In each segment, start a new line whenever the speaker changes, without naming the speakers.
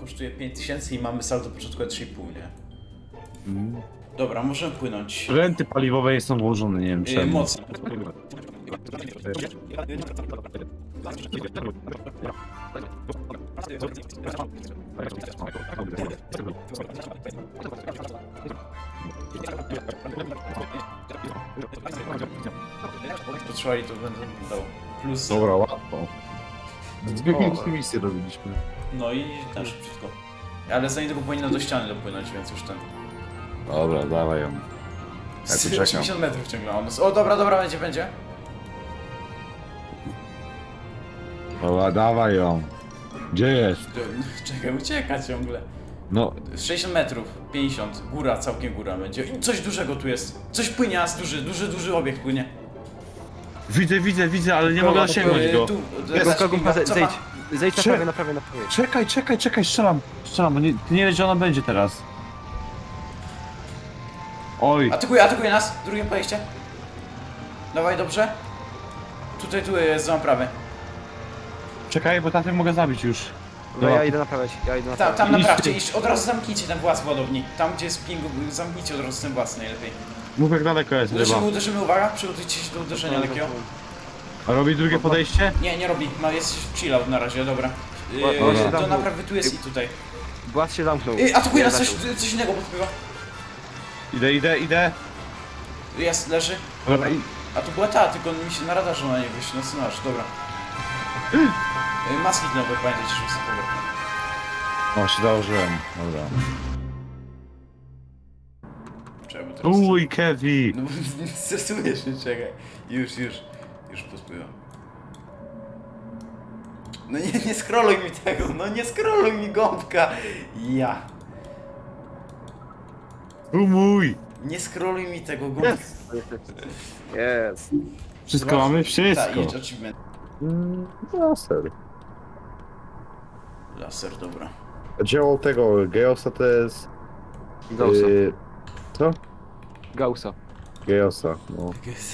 kosztuje 5000 i mamy saldo początkowe 3,5, nie?
Mm.
Dobra, możemy płynąć.
Renty paliwowe nie są włożone, nie wiem czemu.
Mocno. Potrzebali to będę dał. Plus.
Dobra, łatwo. Zwykłe misje robiliśmy.
No i tam szybciutko. Ale za niedługo powinno do ściany dopłynąć, więc już ten.
Dobra, dawaj ją. Ja tu czekam.
80 metrów ciągle on. O dobra, będzie.
Dobra, dawaj ją. Gdzie jest?
Czekaj, ucieka ciągle.
No,
60 metrów, 50, góra, całkiem góra będzie. I coś dużego tu jest. Coś płynie, a duży obiekt płynie.
widzę, ale nie mogę dosięgnąć go.
Zejdź na prawie.
Czekaj, strzelam, bo ty nie wiesz, gdzie ona będzie teraz. Oj,
Atakuje nas, drugie podejście. Dawaj, dobrze. Tu jest za prawy.
czekaj, bo tamten mogę zabić już.
No ja idę naprawiać,
Tam naprawcie,
Idź.
od razu zamknijcie ten włas w ładowni. Tam gdzie jest ping, zamknijcie od razu ten włas najlepiej.
Mów jak daleko jest ryba.
Uderzymy, uwaga, przygotujcie się do uderzenia lekkiego.
A robi drugie podejście?
Nie robi, jest chill out na razie, dobra.
Dobra.
To naprawy tu jest i tutaj.
Błaz się zamknął.
Atakuje nas coś innego podpływa.
Idę.
Jest, leży.
Dobra,
A tu była tylko mi się na radarze na niego wyjść, na scenariusz, dobra. Maski nowe, pamiętajcie, żeby sobie pobrać.
O, się założyłem. Dobra.
Czekaj, bo teraz...
Uj, Kevi!
No stresujesz się, czekaj. Już pospływam. No nie scrolluj mi tego, no nie scrolluj mi gąbka. Ja.
Mój!
Nie scrolluj mi tego gąbka.
Jest.
Wszystko mamy? Wszystko.
Tak, idź achievement.
Laser.
Laser, dobra.
Dzieło tego Geosa to jest...
Gaussa.
Co?
Gaussa.
Geosa, no.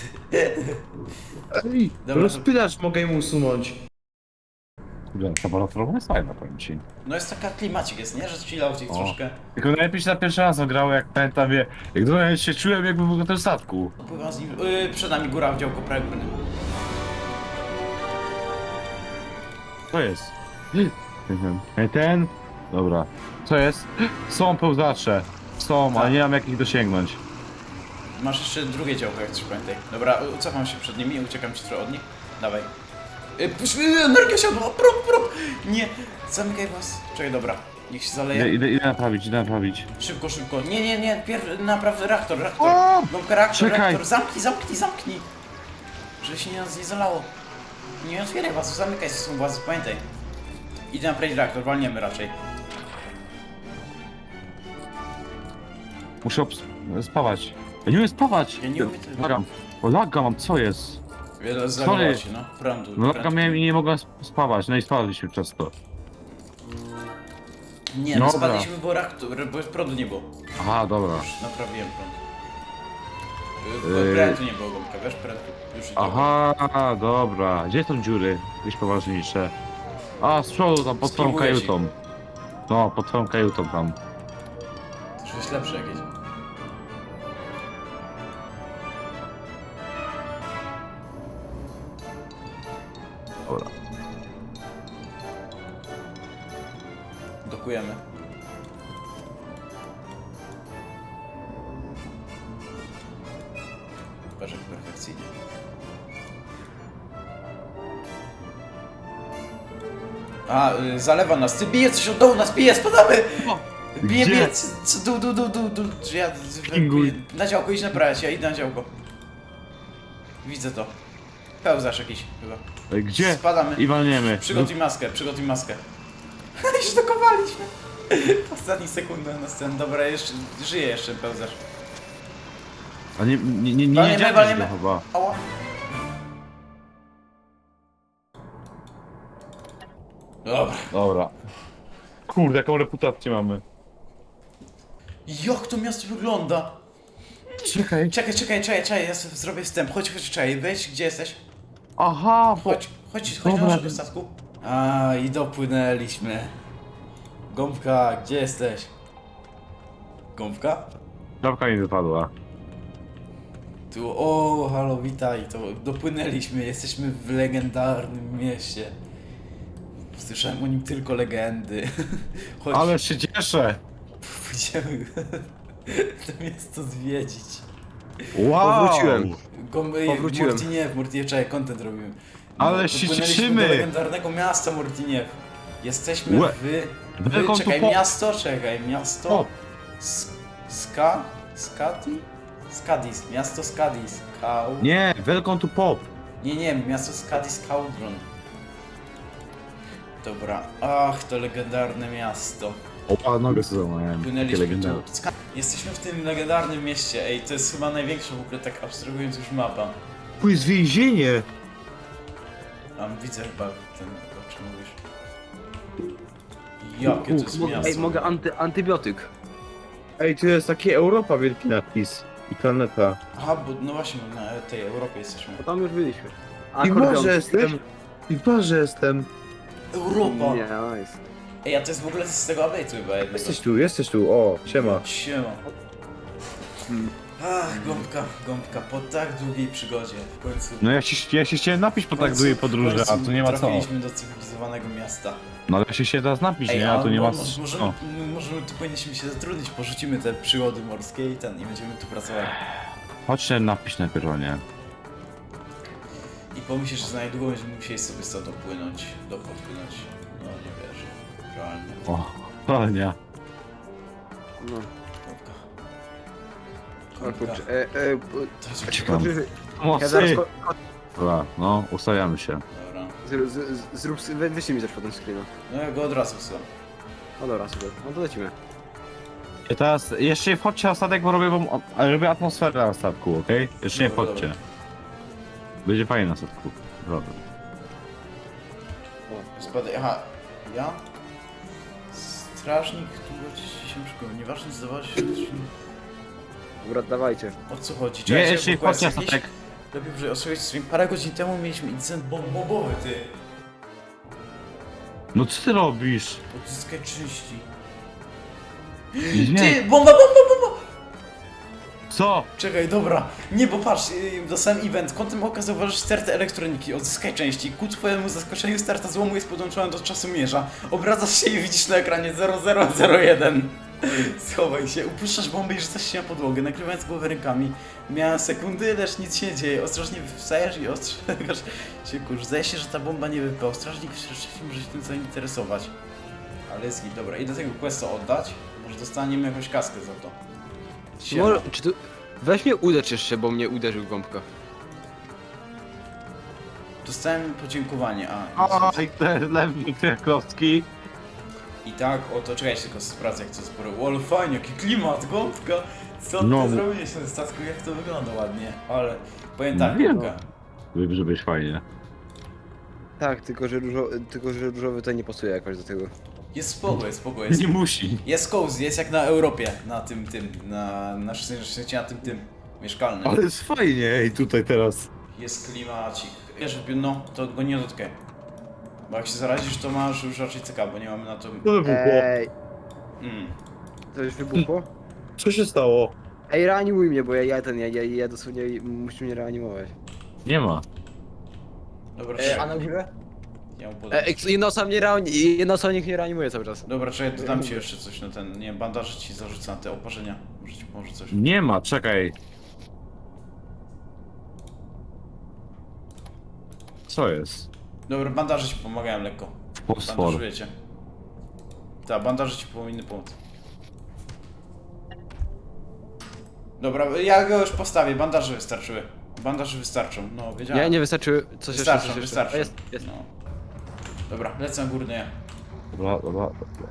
Ej,
Dobra,
Rozpylacz mogę mu usunąć.
ta balotorowa jest fajna, powiem ci.
No jest taka klimacik jest, nie? Że chillaucik troszkę.
Tylko najlepiej się na pierwszy raz ograło, jak pamiętam, jak do się czułem, jakbym był na tym statku.
Pływam z nim. Przed nami góra w działko prawie płynę.
Co jest? Ten? Dobra. Co jest? Są pełzacze. Są, ale nie mam jak ich dosięgnąć.
Masz jeszcze drugie działko, jak coś pamiętaj. Dobra, cofam się przed nimi, uciekam ci trochę od nich. Dawaj. Energia siadła, prób! Nie, zamykaj was. Czekaj, dobra, niech się zaleje.
Idę naprawić.
Szybko. Nie, naprawdę reaktor.
O!
Gąbka reaktor.
Czekaj.
Zamknij. Żeby się nas nie zalało. Nie otwieraj was, zamykaj się was, pamiętaj. Idę naprawić reaktor, walniemy raczej.
Muszę spawać. Ja nie umiem spawać!
Ja nie umiem tego.
Lagam. O, laga mam, co jest?
Wiele zalało się, no. Prądu.
No laga miałem i nie mogłem spawać, no i spadliśmy często.
Nie, no
Dobra.
spadliśmy, bo reaktor, bo prądu nie było.
Aha, dobra.
Już naprawiłem prąd.
Yy.
Prętu nie było, gąbka, wiesz? Prętu. Już i
Aha, dobra. Gdzie są dziury? Jakieś poważniejsze. A, z przodu tam, pod twoją
Spróbuję ci.
kajutą. No, pod twoją kajutą tam.
to jest lepsze jakieś.
Dobra.
Dokujemy. Patrz jak perfekcyjnie. Zalewa nas. Ty bije coś od dołu, nas bije, spadamy! Bije,
Gdzie?
dół. Czy ja...
Pinguj.
Na działko, idź naprawiać, ja idę na działko. Widzę to. Pełzasz jakiś chyba.
Gdzie?
Spadamy.
I walniemy.
Przygotuj maskę. Już dokowaliśmy. W ostatnich sekundach na scenę. Dobra, żyje jeszcze pełzacz.
A nie
Walniemy,
jedziemy
walniemy.
go chyba.
Ała.
Dobra. Kurde, jaką reputację mamy.
Jak to miasto wygląda?
Czekaj.
Czekaj, ja sobie zrobię wstęp. Chodź, czekaj, weź, gdzie jesteś?
Aha, bo...
Chodź do
Dobra.
naszego statku. I dopłynęliśmy. Gąbka, gdzie jesteś? Gąbka?
Czapka mi wypadła.
Tu, o, halo, witaj, to dopłynęliśmy, jesteśmy w legendarnym mieście. Słyszałem o nim tylko legendy. Chodź,
Ale się cieszę!
pójdziemy to miasto zwiedzić.
Wow!
Powróciłem. Powróciłem.
Mortiniew, czekaj, content robimy.
Ale się
dopłynęliśmy
cieszymy.
do legendarnego miasta Mortiniew. Jesteśmy
Łe. Welcome to
czekaj,
pop.
miasto.
Pop.
Skadis, miasto Skadis.
Nie, welcome to pop.
Nie, miasto Skadis Cauldron. Dobra, ach, to legendarne miasto.
O, nogę sobie złamałem. Takie
Płynęliśmy
legendarne.
tu. Jesteśmy w tym legendarnym mieście, ej, to jest chyba największa w ogóle, tak abstrahując już mapa.
Tu jest więzienie!
Widzę chyba ten, o czym mówisz. Jakie to jest miasto.
Ej, mogę antybiotyk.
Ej, tu jest taki Europa wielki napis. I planeta.
Aha, bo no właśnie, na tej Europie jesteśmy.
Bo tam już byliśmy.
I w
Akordeon.
barze jestem. I w barze jestem.
Europa!
Nie, nice.
Ej, a to jest w ogóle z tego update'u chyba jednego.
Jesteś tu, o, siema.
Siema. Ach, gąbka, po tak długiej przygodzie, w końcu.
No ja się chciałem napić po
w
tak
końcu-
długiej
w
podróży, a
końcu
tu nie ma co.
Trafiliśmy do cywilizowanego miasta.
No ale ja się teraz napić, nie? A tu nie ma co.
Możemy tu powinniśmy się zatrudnić, porzucimy te przygody morskie i będziemy tu pracować.
Chodź się napić najpierw, o nie.
I pomyślisz, że za niedługo będziemy musieli sobie stąd dopłynąć. No nie wierzę, realnie.
O, ale nie.
No. O
Gąbka.
kurczę.
To jest
Czekam.
Ja
Mocy!
zaraz
Dobra, no, ustawiamy się.
Dobra.
zrób, wyślij mi też potem screena.
No ja go od razu wsyłam.
No dobra, super. No to lecimy.
I teraz jeszcze nie wchodźcie na statek, bo robię atmosferę na statku, okej? Jeszcze nie
Dobra,
wchodźcie.
dobra.
Będzie fajnie na statku. Dobra.
Spadaj, aha, ja? Strażnik, tu się szkoły, nieważne zdawać się...
Dobra, dawajcie.
O co chodzi?
Nie,
Czekajcie,
jeszcze nie
bo quest
wchodźcie na
jakiś?
statek.
Lepiej, że osłuchać stream. Parę godzin temu mieliśmy incydent bombowy, ty.
No co ty robisz?
Odzyskaj części.
Nie.
Ty, bomba!
Co?
Czekaj, dobra. Nie, bo patrz, dostałem event. Kątem oka zauważysz stertę elektroniki. Odzyskaj części. Ku twojemu zaskoczeniu sterta złomu jest podłączona do czasomierza. Obracasz się i widzisz na ekranie 0001. Schowaj się, upuszczasz bombę i rzucasz się na podłogę, nakrywając głowę rękami. Miałem sekundy, lecz nic się nie dzieje. Ostrożnie wstajesz i ostrzegasz się kurz. Zdaje się, że ta bomba nie wypał. Strażnik wcześniej może się tym zainteresować. Ale jest git. Dobra, idę tego questa oddać. Może dostaniemy jakąś kaskę za to. Siema.
Może, czy tu... Weź mnie uderz jeszcze, bo mnie uderzył gąbka.
Dostałem podziękowanie,
Oj, te lewy, te klocki.
I tak, oto czekajcie, tylko sprawdzę jak to sporo. Ale fajnie, jaki klimat, gąbka! Co
No.
ty zrobiłeś na tym statku, jak to wygląda ładnie, ale... Powiem tak,
Nie
gąbka.
Żeby być fajnie.
Tak, tylko że różowy tutaj nie pasuje jakoś do tego.
Jest spoko, jest.
Nie musi.
Jest cozy, jest jak na Europie, na tym, na szczęście na tym mieszkalnym.
Ale jest fajnie, ej, tutaj teraz.
Jest klimacik. Wiesz, no, to go nie dotykaj. Bo jak się zarazisz, to masz już raczej cyka, bo nie mamy na to...
To wybuchło.
Ej,
Mm.
to już wybuchło?
Co się stało?
Ej, reanimuj mnie, bo ja dosłownie muszę mnie reanimować.
Nie ma.
Dobra,
A na górę?
ja mu podam.
Jedna osoba niech mnie reanimuje cały czas.
Dobra, czekaj, dodam ci jeszcze coś na ten, nie wiem, bandaże ci zarzucę na te oparzenia. Może ci pomoże coś.
Nie ma, czekaj. Co jest?
Dobra, bandaże ci pomagają lekko.
Fosfor.
Bandażuję cię. Tak, bandaże ci powinny pomóc. Dobra, ja go już postawię, bandaże wystarczyły. Bandaże wystarczą, no wiedziałem.
Nie wystarczy. Coś jeszcze,
Wystarczą,
coś jeszcze.
wystarczą.
O, jest.
No. Dobra, lecę na górny.
Dobra.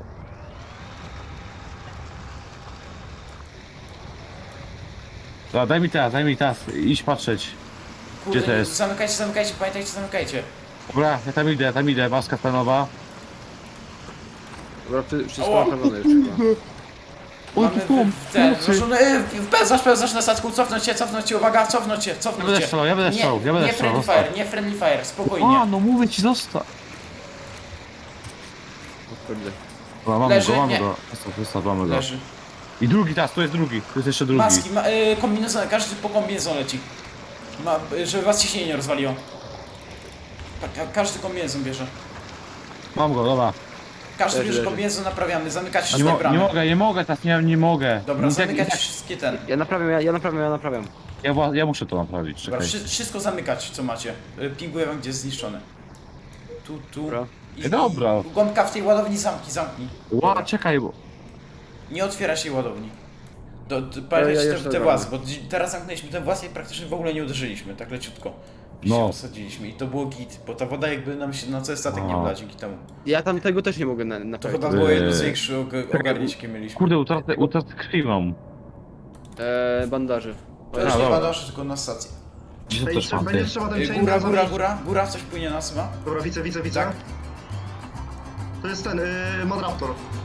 Dobra, daj mi teraz, idź patrzeć. Gdzie to jest?
Zamykajcie, pamiętajcie, zamykajcie.
Dobra, ja tam idę, maska stanowa.
Dobra, wszystko
Ała.
naprawione już chyba.
Oj,
Mamy
tu są,
ten,
pomocy.
pełzasz na statku, cofnąć cię, uwaga, cofnąć cię.
Ja będę strzelał, ja będę strzelał.
Nie friendly fire, nie friendly fire, spokojnie.
A, no mówię ci, zostaw.
O kurde.
Dobra, mamy
Leży,
go, mamy
nie.
go. Mamy go.
Leży.
I drugi teraz, tu jest drugi. Tu jest jeszcze drugi.
Maski, kombinezon, każdy po kombinezon leci. Żeby was ciśnienie nie rozwaliło. Każdy kombinezon bierze.
Mam go, dobra.
Każdy
Leży,
bierze
leży.
kombinezon, naprawiamy. Zamykać
Nie,
wszystkie bramy.
nie mogę, teraz nie mogę.
Dobra,
I tak-
zamykać
i tak-
wszystkie ten.
Ja naprawiam.
Ja muszę to naprawić,
Dobra,
czekaj.
wszystko zamykać, co macie. Pinguję wam, gdzie jest zniszczone. Tu.
Dobra.
Dobra.
Gąbka w tej ładowni zamknij.
Czekaj, bo...
Nie otwiera się ładowni. Pamiętajcie
już to
te
robię.
włazy, bo teraz zamknęliśmy te włazy i praktycznie w ogóle nie uderzyliśmy, tak leciutko.
No.
Się osadziliśmy i to było git, bo ta woda jakby nam się na cały statek nie
A.
wlała dzięki temu.
Ja tam tego też nie mogę
To
naprawić.
chyba było jedno z
Eee.
większych ogarnięć, jakie mieliśmy.
Kurde, utratę krwi mam.
Bandaży.
To już
A,
nie
dobra.
badasz, tylko na stacji.
Gdzie to też mam,
Będzie
ty?
trzeba ten chain
Góra, coś płynie nas chyba.
Dobra, widzę.
Tak.
To jest ten, Madraptor.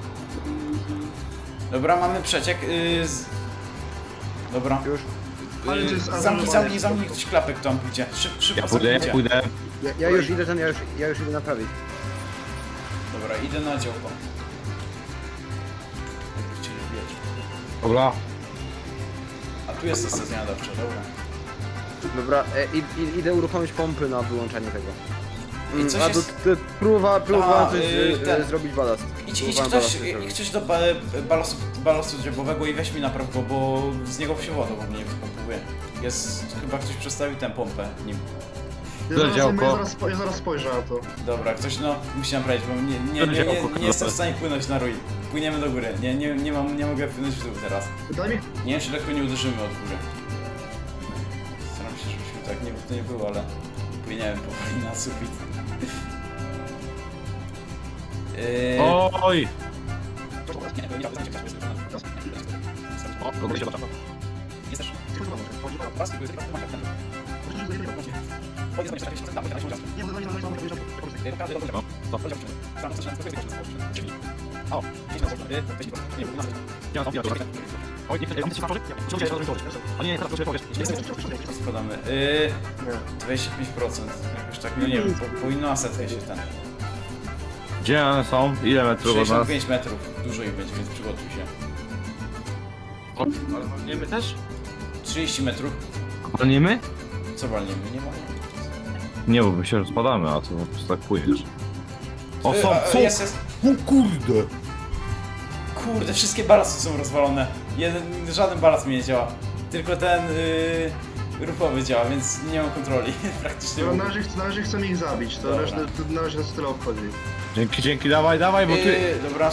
Dobra, mamy przeciek. Dobra.
Już.
Ale to jest
Zamknij ktoś klapek tam pójdzie. Szybko
Ja
zamknijcie.
pójdę.
Ja już idę ja już idę naprawić.
Dobra, idę na działko. Jakby chcieli wbijać.
Dobra.
A tu jest ta stacja nadawcza, dobra.
Dobra, idę uruchomić pompy na wyłączanie tego.
I coś
A
jest-
próbowałem coś
ten.
zrobić balast.
Idź
Próbowałem
ktoś,
balast zrobić.
ktoś do balastu drzewowego i weź mi napraw go, bo z niego się woda w ogóle nie wypompuje. Chyba ktoś przestawił tę pompę nim.
Ja zaraz spojrzę na to.
Dobra, ktoś musi naprawić, bo nie jestem w stanie płynąć na rój. Płyniemy do góry, nie mogę płynąć w dół teraz.
Daj mi...
Nie wiem, czy lekko nie uderzymy od góry. Staram się, żebyśmy tak to nie było, ale płyniemy powoli na sufit.
Oj!
Jest też. Składamy. 25%. Jakoś tak, no nie wiem, powinno na setkę się ten.
Gdzie one są? Ile metrów od nas?
65 metrów. Dużo ich będzie, więc przygotuj się.
Ale walniemy też?
30 metrów.
Walniemy?
Co walniemy? Nie ma.
Nie, bo my się rozpadamy, a to po prostu tak płyniesz. O, są!
Jest.
O kurde!
Kurde, wszystkie balasty są rozwalone. Żaden balast mi nie działa. Tylko ten ruchowy działa, więc nie mam kontroli. Praktycznie.
Dobra, na razie chcę ich zabić, to
Dobra.
na razie nas tyle obchodzi.
Dzięki, dawaj, bo ty...
Dobra,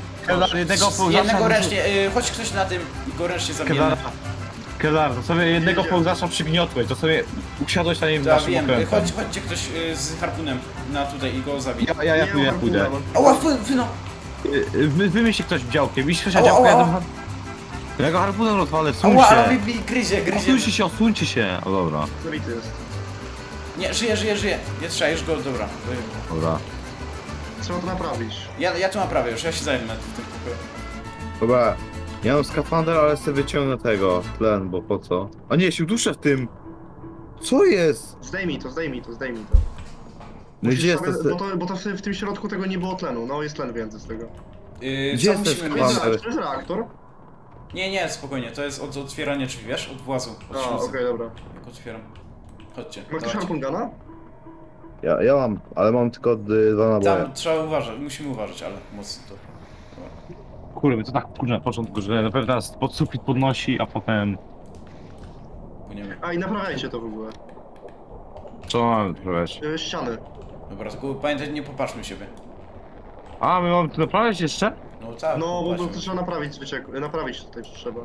jednego ręcznie, chodź ktoś na tym i go ręcznie zabijemy.
Kedar, to sobie jednego pełzacza przygniotłeś, to sobie usiadłeś na nim w
Tak,
naszym
wiem.
okrętem.
Chodźcie ktoś z harpunem na tutaj i go zabij.
Ja pójdę.
Ała, no.
Wymyśl ktoś działkiem, jeśli ktoś na
Ała,
działkę,
ała.
ja go harpunem rozwalę, wsuń
Ała,
się.
gryzie.
Odsuńcie się. O dobra,
Zabity jest.
Nie, żyje. Nie trzeba, go, dobra.
dobra.
Trzeba to naprawić.
Ja tu naprawię już, ja się zajmę w tym pokoju.
Dobra, ja mam skafander, ale sobie wyciągnę tego, tlen, bo po co? A nie, się duszę w tym! Co jest?
Zdejmij to.
No gdzie jest
Musisz
to?
sobie- bo to w tym środku tego nie było tlenu, no jest tlen więcej z tego.
Gdzie
Co
jest ten
musimy
skład?
mieć?
To jest reaktor?
Nie, spokojnie, to jest od otwierania drzwi, wiesz? Od włazu, od
A,
śluzy.
okej, dobra.
Jak otwieram. Chodźcie,
Ma ktoś
dawajcie.
harpun guna?
Ja mam, ale mam tylko dwa naboje.
Tam trzeba uważać, musimy uważać, ale mocno to.
Kurde, to tak kurczę na początku, że na pewno nas pod sufit podnosi, a potem...
Płyniemy.
A i naprawiajcie to w ogóle.
Co mamy naprawiać?
Ściany.
Dobra, tylko pamiętaj, nie popatrzmy siebie.
A, my mamy to naprawiać jeszcze?
No tak,
No, bo
popatrzmy.
to trzeba naprawić tutaj trzeba.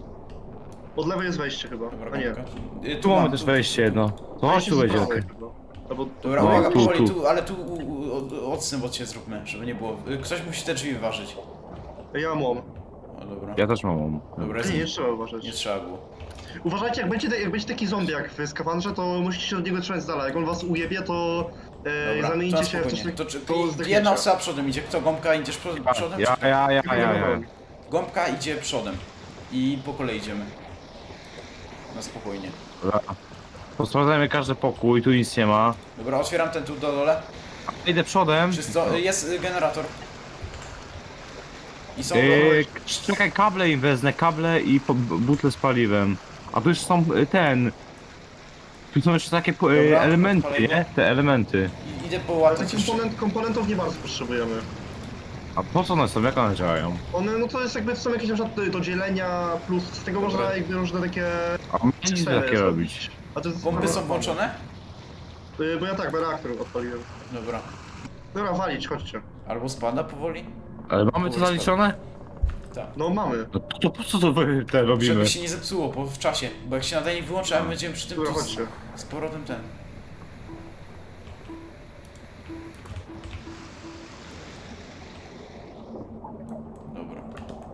Od lewej jest wejście chyba,
Dobra,
a nie.
gąbka.
Tu mamy też wejście jedno. To chodź tu
Wejście z
będzie.
prawej chyba. Albo...
Dobra,
No,
uwaga,
tu,
powoli,
tu.
ale tu odstęp od ciebie zróbmy, żeby nie było. Ktoś musi te drzwi wyważyć.
Ja mam.
O, dobra.
Ja też mam.
Dobra,
Nie trzeba uważać.
nie trzeba było.
Uważajcie, jak będzie taki zombie jak w skafandrze, to musicie się od niego trzymać z dala. Jak on was ujebie, to
Dobra,
zamieńcie
to
się w coś
spokojnie.
takiego.
To
zdechniecie.
jedna osoba przodem idzie. Kto? Gąbka, idziesz przodem?
Ja.
Gąbka idzie przodem. I po kolei idziemy. Na spokojnie.
Dobra. Posprawdzajmy każdy pokój, tu nic nie ma.
Dobra, otwieram ten tu do dole.
Idę przodem.
Czysto. Jest generator. I są...
Czekaj, kable im wezmę, kable i butle z paliwem. A tu już są tu są jeszcze takie
Dobra,
elementy,
odpalaj go.
nie? Te elementy.
Idę połatać jeszcze.
Komponentów nie bardzo potrzebujemy.
A po co one są? Jak one działają?
One, no to jest jakby, są jakieś na przykład do dzielenia, plus z tego
Dobra.
można jakby różne takie...
A nic
sfery
takie
zrobić.
robić.
A to jest...
Pompy są włączone?
Bo ja tak, bo reaktor odpaliłem.
Dobra.
Dobra, walić, chodźcie.
Albo spada powoli?
Ale mamy to zaliczone?
Tak.
No mamy.
No to po co to te robimy?
Żeby się nie zepsuło w czasie, bo jak się nadajnik wyłączy, a my będziemy przy tym
Dobra,
to
chodźcie.
z powrotem ten. Dobra.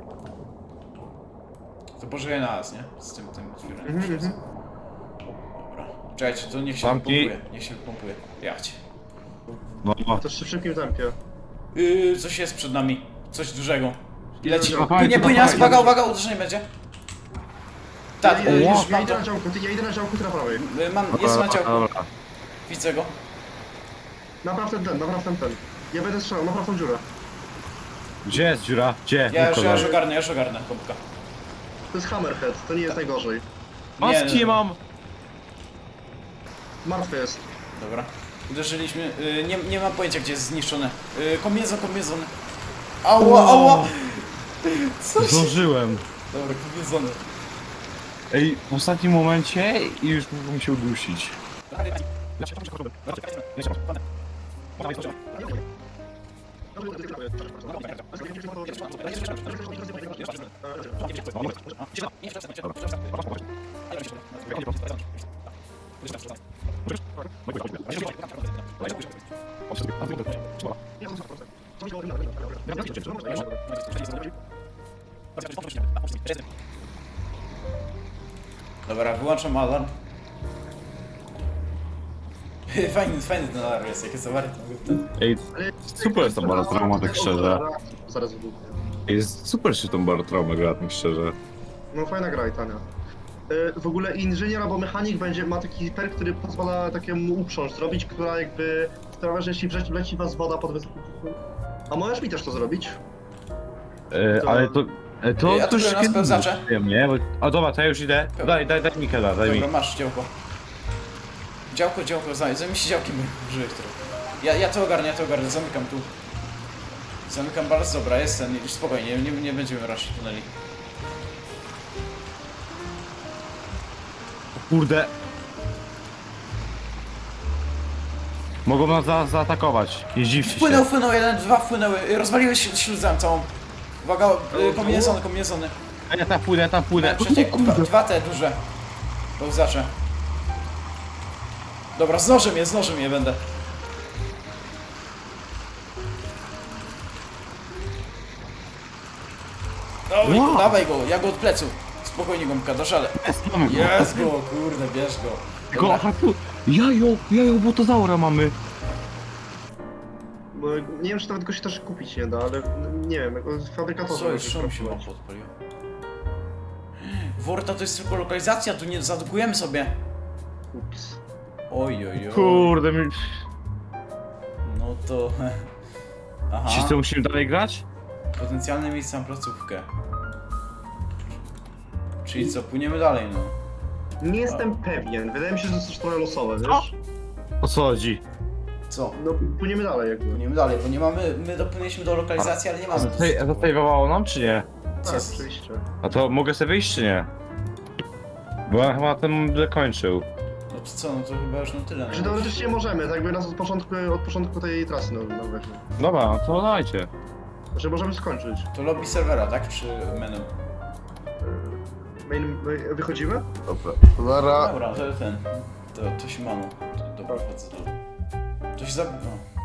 To pożyje na nas, nie? Z tym otwieraniem.
Mhm.
Dobra. Czekajcie, to niech się
Zamknij.
pompuje. Niech się pompuje. Jachcie.
No,
To jeszcze w szybkim tempie.
Coś jest przed nami. Coś dużego. I leci.
Dobra,
Płynie nas, uwaga, uderzenie będzie. Tak,
Ja
już
ja
mam
idę
to.
na działku, ja idę na działku, ty na prawej.
Jest na ciałku.
Dobra.
Widzę go.
Napraw ten. Ja będę strzelał, napraw tą dziurę.
Gdzie jest dziura? Gdzie?
Ja
Nikogo.
już ogarnę, pompka.
To jest Hammerhead, to nie jest najgorzej.
Maski
Nie.
mam!
Martwy jest.
Dobra. Uderzyliśmy. Nie mam pojęcia, gdzie jest zniszczone. Kombinezon. Ała! Co się...
Zdążyłem.
Dobra, kombinezony.
Ej, w ostatnim momencie i już mógłbym się udusić.
Dobra, wyłączam alarm. Fajny ten alarm jest, jakie zawarte.
Ej, super jest ta barotrauma, tak szczerze.
Zaraz wybuchnie.
Jest super się tą barotraumę gra, tak szczerze.
No fajna gra i tania. W ogóle inżynier albo mechanik ma taki perk, który pozwala takiemu uprząż zrobić, która jakby sprawia, że jeśli wleci was woda pod wysokim ciśnieniem. A możesz mi też to zrobić?
Ale to...
Ja tu byłem na spełzacze.
Nie, bo... A dobra, to ja już idę. Daj Mikela, daj mi.
Dobra, masz działko. Działko, zajmij się działkiem, użyję które. Ja to ogarnę, zamykam tu. Zamykam bardzo, dobra, jest ten, już spokojnie, nie będziemy raczej tuneli.
Kurde. Mogą nas zaatakować. Nie dziwcie się.
Wpłynął, 1, 2 wpłynęły, rozwaliły śluzem całą. Uwaga, kombinezony.
A ja tam płynę.
Przeciek, dwa te duże. Pełzacze. Dobra, z nożem je będę.
Wow.
Dawaj go, ja go od plecu. Spokojnie gąbka, dasz ale.
Mamy go.
Jest go, kurde, bierz go.
Tylko
Dobra.
harpu... Jajo, botozaura mamy.
Bo nie wiem, czy nawet go się też kupić nie da, ale nie wiem, jako fabrykatorze.
Co już szum się mam podpalił. Worta to jest tylko lokalizacja, tu nie zadukujemy sobie.
Ups.
Oj.
Kurde, mi...
No to... Aha,
Czy co, musimy dalej grać?
potencjalne miejsce na placówkę. Czyli co, płyniemy dalej, no.
Nie jestem pewien, wydaje mi się, że to jest trochę losowe,
Co?
wiesz?
O co chodzi?
Co?
No, płyniemy dalej jakby.
Płyniemy dalej, bo nie mamy... My dopłynęliśmy do lokalizacji, ale nie mamy...
Zasejwowało nam, czy nie?
Co
Tak,
jest?
oczywiście.
A to mogę sobie wyjść, czy nie? Bo ja chyba ten kończył.
No to co, no to chyba już na tyle.
Znaczy
No.
teoretycznie możemy, tak jakby nas od początku tej trasy no weźmy.
Dobra, no to dajcie.
Znaczy możemy skończyć.
To lobby serwera, tak? Czy menu?
Wychodzimy?
Dobra. Zara.
Dobra, to ten... To się mamy. To dobra, wchodzę. To się No.